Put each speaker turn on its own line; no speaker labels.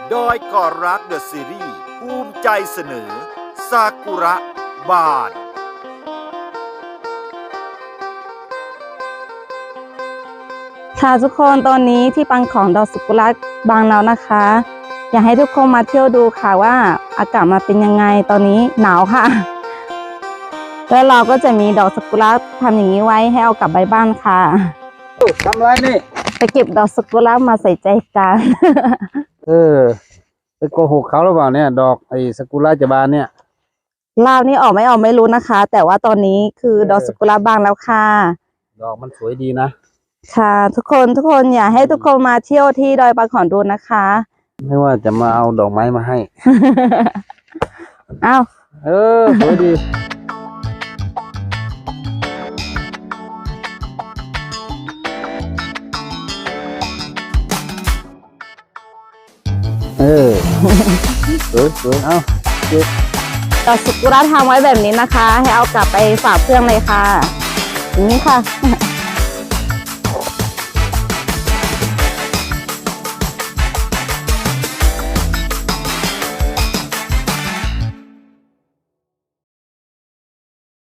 ดอยก่อรักเดอะซีรีส์ภูมิใจเสนอซากุระบาน
ค่ะทุกคนตอนนี้ที่ปังของดอกซากุระบางแล้วนะคะ อยากให้ทุกคนมาเที่ยวดูค่ะว่าอากาศมาเป็นยังไงตอนนี้หนาวค่ะ แล้วเราก็จะมีดอกซากุระทำอย่างนี้ไว้ให้เอากลับไปบ้านค่ะ
ทำไรนี่
ไปเก็บดอกซากุระมาใส่ใจกัน
ไปโกหกเขาหรือเปล่าเนี่ยดอกไอ้ซากุระจะบานเนี่ย
ลาวนี่ออกไม่รู้นะคะ แต่ว่าตอนนี้คือดอกซากุระบางแล้วค่ะ
ดอกมันสวยดีนะ
ค่ะ ทุกคนอยากให้ทุกคนมาเที่ยวที่ดอยปังของดูนะคะ
ไม่ว่าจะมาเอาดอกไม้มาให้
อ้าว
สวยดีสวยเอาเก็บ
ดอกซากุระทำไว้แบบนี้นะคะ ให้เอากลับไปฝากเพื่อนเลยค่ะอย่างนี้ค่ะ